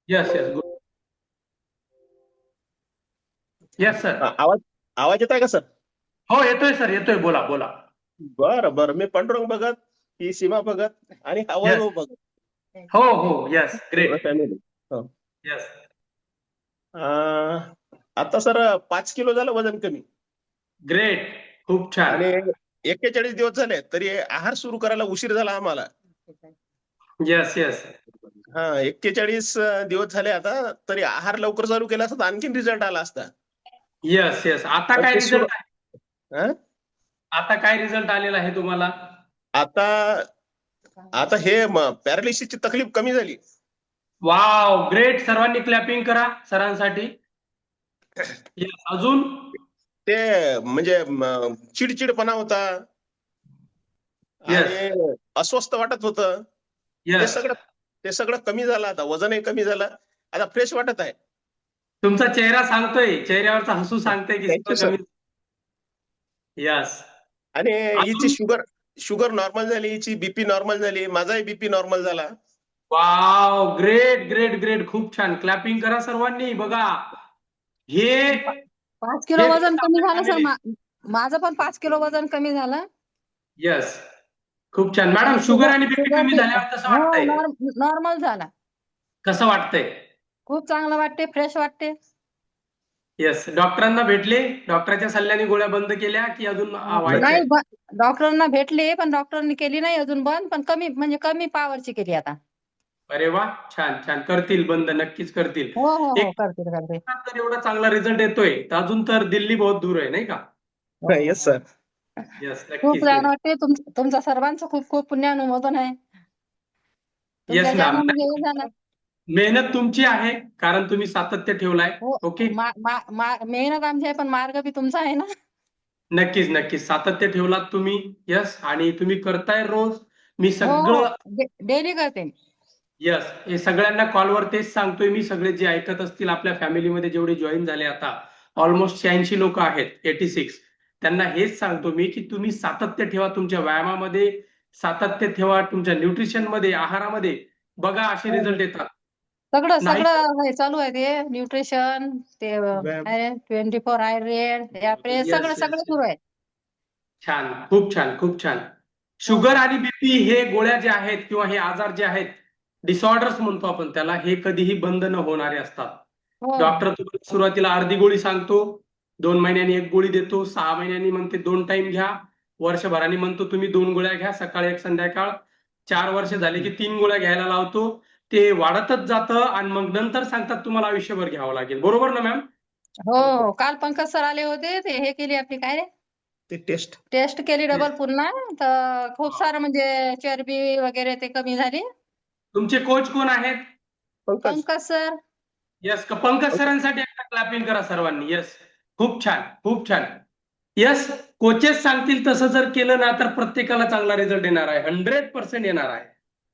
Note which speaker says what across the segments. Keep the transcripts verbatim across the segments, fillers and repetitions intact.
Speaker 1: Yes yes good. Yes sir.
Speaker 2: हा, आवाज आवाज येत आहे का सर?
Speaker 1: हो येतोय सर, येतोय, बोला बोला.
Speaker 2: बरं बरं, मी पांडुरंग भगत, ही सीमा भगत आणि हा
Speaker 1: येस.
Speaker 2: वैभव भगत.
Speaker 1: हो हो येस
Speaker 2: पूर्ण
Speaker 1: ग्रेट.
Speaker 2: फॅमिली.
Speaker 1: येस.
Speaker 2: आता सर पाच किलो झालं वजन कमी.
Speaker 1: ग्रेट. खूप छान.
Speaker 2: आणि एक्केचाळीस दिवस झाले तरी आहार सुरू करायला उशीर झाला आम्हाला.
Speaker 1: Yes yes.
Speaker 2: हा, एक्केचाळीस दिवस झाले आता, तरी आहार लवकर चालू केला असता तर आणखीन रिझल्ट आला असता.
Speaker 1: Yes yes. आता
Speaker 2: पण
Speaker 1: काय
Speaker 2: ते सुरू
Speaker 1: रिझल्ट आहे?
Speaker 2: हा?
Speaker 1: आता काय रिझल्ट आलेला आहे तुम्हाला?
Speaker 2: आता आता हे पॅरालिसिसची तकलीफ कमी झाली.
Speaker 1: Wow great. सर्वांनी क्लॅपिंग करा सरांसाठी. येस. अजून?
Speaker 2: ते म्हणजे म, चिडचिडपणा होता
Speaker 1: येस
Speaker 2: आणि अस्वस्थ वाटत होतं. ते
Speaker 1: येस.
Speaker 2: सगळं ते सगळं कमी झालं, आता वजनही कमी झालं, आता फ्रेश वाटत आहे.
Speaker 1: तुमचा चेहरा सांगतोय, चेहऱ्यावरचा हसू सांगतोय की
Speaker 2: थँक्यू
Speaker 1: सगळं
Speaker 2: सर.
Speaker 1: कमी. यस.
Speaker 2: आणि हिची
Speaker 1: अजून?
Speaker 2: शुगर शुगर नॉर्मल झाली, हिची बीपी नॉर्मल झाली, माझाही बीपी नॉर्मल झाला.
Speaker 1: Wow great great great. खूप छान. क्लॅपिंग करा सर्वांनी. बघा हे
Speaker 3: पा- पाच किलो
Speaker 1: हेच
Speaker 3: वजन कमी
Speaker 1: आपल्या
Speaker 3: झालं सर.
Speaker 1: फॅमिली.
Speaker 3: मा- माझं पण पाच किलो वजन कमी झालं.
Speaker 1: यस. खूप छान मॅडम.
Speaker 3: आणि
Speaker 1: शुगर
Speaker 3: शुगर
Speaker 1: आणि बीपी
Speaker 3: शुगर
Speaker 1: कमी
Speaker 3: बी
Speaker 1: झाल्यावर कसं
Speaker 3: हो
Speaker 1: वाटतंय?
Speaker 3: नॉर्मल झाला.
Speaker 1: कसं वाटतंय?
Speaker 3: खूप चांगलं वाटते, फ्रेश वाटते.
Speaker 1: येस. डॉक्टरांना भेटले? डॉक्टरच्या सल्ल्याने गोळ्या बंद केल्या की अजून आ,
Speaker 3: नाही,
Speaker 1: व्हायचंय?
Speaker 3: डॉक्टरांना भेटले पण डॉक्टरांनी केली नाही अजून बंद, पण कमी म्हणजे कमी पॉवरची केली आता.
Speaker 1: अरे वा. छान छान. करतील बंद, नक्कीच करतील.
Speaker 3: हो हो हो,
Speaker 1: एक
Speaker 3: करते करते.
Speaker 1: तर एवढा चांगला रिझल्ट येतोय तर अजून तर दिल्ली बहुत दूर आहे, नाही का?
Speaker 3: हो,
Speaker 2: येस
Speaker 3: हो.
Speaker 2: सर.
Speaker 1: येस
Speaker 3: खूप
Speaker 1: नक्कीच
Speaker 3: छान
Speaker 1: नक्की.
Speaker 3: वाटते. तुम तुमच्या सर्वांचं खूप खूप पुण्यानुमोदन आहे. तुमच्या
Speaker 1: येस मॅम.
Speaker 3: चॅनलमध्ये हे झालं.
Speaker 1: मेहनत तुमची आहे कारण तुम्ही सातत्य ठेवलाय.
Speaker 3: हो.
Speaker 1: ओके.
Speaker 3: मा- मा- मा- मेहनत आमची आहे पण मार्ग बी तुमचा आहे ना.
Speaker 1: नक्कीच नक्कीच. सातत्य ठेवलात तुम्ही. यस. आणि तुम्ही करताय रोज. मी
Speaker 3: हो हो,
Speaker 1: सगळं.
Speaker 3: डेली करते.
Speaker 1: यस. हे सगळ्यांना कॉलवर तेच सांगतोय मी. सगळे जे ऐकत असतील आपल्या फॅमिलीमध्ये जेवढे जॉईन झाले आता ऑलमोस्ट शहाऐंशी लोक आहेत, एटी सिक्स. त्यांना हेच सांगतो मी की तुम्ही सातत्य ठेवा तुमच्या व्यायामामध्ये, सातत्य ठेवा तुमच्या न्यूट्रिशन मध्ये, आहारामध्ये. बघा असे
Speaker 3: हो, हो.
Speaker 1: रिझल्ट येतात.
Speaker 3: सगळं
Speaker 1: नाही
Speaker 3: सगळं हे चालू आहे ते न्यूट्रिशन, ते
Speaker 2: व्यायाम.
Speaker 3: ट्वेंटी फोर आयुर्वेद, आपले सगळं
Speaker 1: येस
Speaker 3: सगळं
Speaker 1: येस.
Speaker 3: सुरू आहे.
Speaker 1: छान. खूप छान. खूप छान.
Speaker 3: हो
Speaker 1: शुगर
Speaker 3: हो
Speaker 1: आणि बीपी हे गोळ्या जे आहेत किंवा हे आजार जे आहेत, डिसऑर्डर्स म्हणतो आपण त्याला, हे कधीही बंद न होणारे असतात.
Speaker 3: हो
Speaker 1: डॉक्टर तुम्हाला सुरुवातीला अर्धी गोळी सांगतो, दोन महिन्यांनी एक गोळी देतो, सहा महिन्यांनी म्हणते दोन टाइम घ्या, वर्षभराने म्हणतो तुम्ही दोन गोळ्या घ्या, सकाळ एक संध्याकाळ. चार वर्ष झाले की तीन गोळ्या घ्यायला लावतो. ते वाढतच जातं आणि मग नंतर सांगतात तुम्हाला आयुष्यभर घ्यावं लागेल. बरोबर ना मॅम?
Speaker 3: हो हो. काल पंकज सर आले होते, ते हे केली आपली काय रे
Speaker 2: ते टेस्ट.
Speaker 3: टेस्ट केली
Speaker 1: Yes.
Speaker 3: डबल पुन्हा, तर खूप सारं म्हणजे चरबी वगैरे ते कमी झाली.
Speaker 1: तुमचे कोच कोण आहेत?
Speaker 2: पंकज.
Speaker 3: पंकज सर.
Speaker 1: यस. पंकज सरांसाठी एकदा क्लॅपिंग करा सर्वांनी. येस. खूप छान. खूप छान. यस. कोचेस सांगतील तसं जर केलं ना तर प्रत्येकाला चांगला रिझल्ट येणार आहे. हंड्रेड पर्सेंट येणार आहे.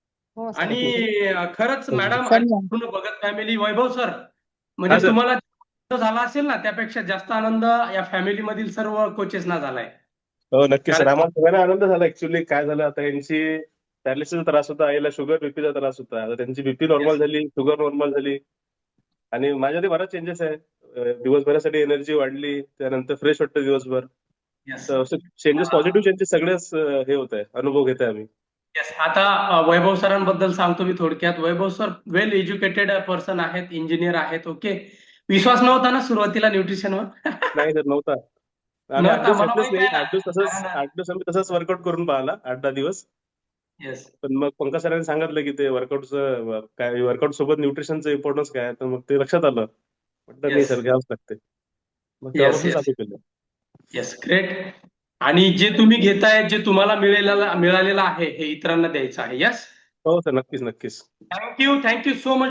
Speaker 3: हो सर.
Speaker 1: आणि अ, खरंच मॅडम आणि
Speaker 3: समजा.
Speaker 1: पूर्ण भगत फॅमिली, वैभव सर,
Speaker 2: हा
Speaker 1: म्हणजे
Speaker 2: सर.
Speaker 1: तुम्हाला जो झाला असेल ना त्यापेक्षा जास्त आनंद या फॅमिली मधील सर्व कोचेसना झालाय.
Speaker 2: हो नक्की सर,
Speaker 1: कारण
Speaker 2: आम्हाला सगळ्यांना आनंद झाला. ऍक्च्युली काय झालं, आता यांची पॅरालिसिसचा त्रास होता, आईला शुगर बीपीचा त्रास होता. आता त्यांची बीपी नॉर्मल
Speaker 1: येस
Speaker 2: झाली, शुगर नॉर्मल झाली. आणि माझ्यामध्ये बराच चेंजेस आहे. अं, दिवसभरासाठी एनर्जी वाढली, त्यानंतर फ्रेश वाटतं दिवसभर.
Speaker 1: येस.
Speaker 2: तर असं चेंजेस, पॉझिटिव्ह चेंजेस सगळेच अं, हे होत आहे, अनुभव घेत आहे आम्ही.
Speaker 1: येस. आता अ, वैभव सरांबद्दल सांगतो मी थोडक्यात. Vaibhav sir well educated person आहेत, इंजिनियर आहेत. ओके. विश्वास नव्हता ना सुरुवातीला न्यूट्रिशनवर?
Speaker 2: नाही सर, नव्हता. आम्ही आठ
Speaker 1: नव्हता.
Speaker 2: दिवस
Speaker 1: मला
Speaker 2: घेतलंच
Speaker 1: माहित
Speaker 2: नाही.
Speaker 1: आहे ना.
Speaker 2: आठ दिवस तसंच
Speaker 1: कारण
Speaker 2: आठ दिवस आम्ही तसंच वर्कआउट करून पाहिला, आठ दहा दिवस.
Speaker 1: येस.
Speaker 2: पण मग पंकज सरांनी सांगितलं की ते वर्कआउटचं काय, वर्कआउट सोबत न्यूट्रिशनचं इम्पॉर्टन्स काय, तर मग ते लक्षात आलं. म्हटलं नाही
Speaker 1: येस.
Speaker 2: सर, घ्यावंच लागते. मग
Speaker 1: येस.
Speaker 2: तेव्हापासून
Speaker 1: येस.
Speaker 2: चालू केलं.
Speaker 1: येस. ग्रेट. आणि जे तुम्ही घेताय, जे तुम्हाला मिळालेलं मिळालेलं आहे हे इतरांना द्यायचं आहे. येस.
Speaker 2: हो सर, नक्कीच नक्कीच.
Speaker 1: थँक्यू. Thank you so much.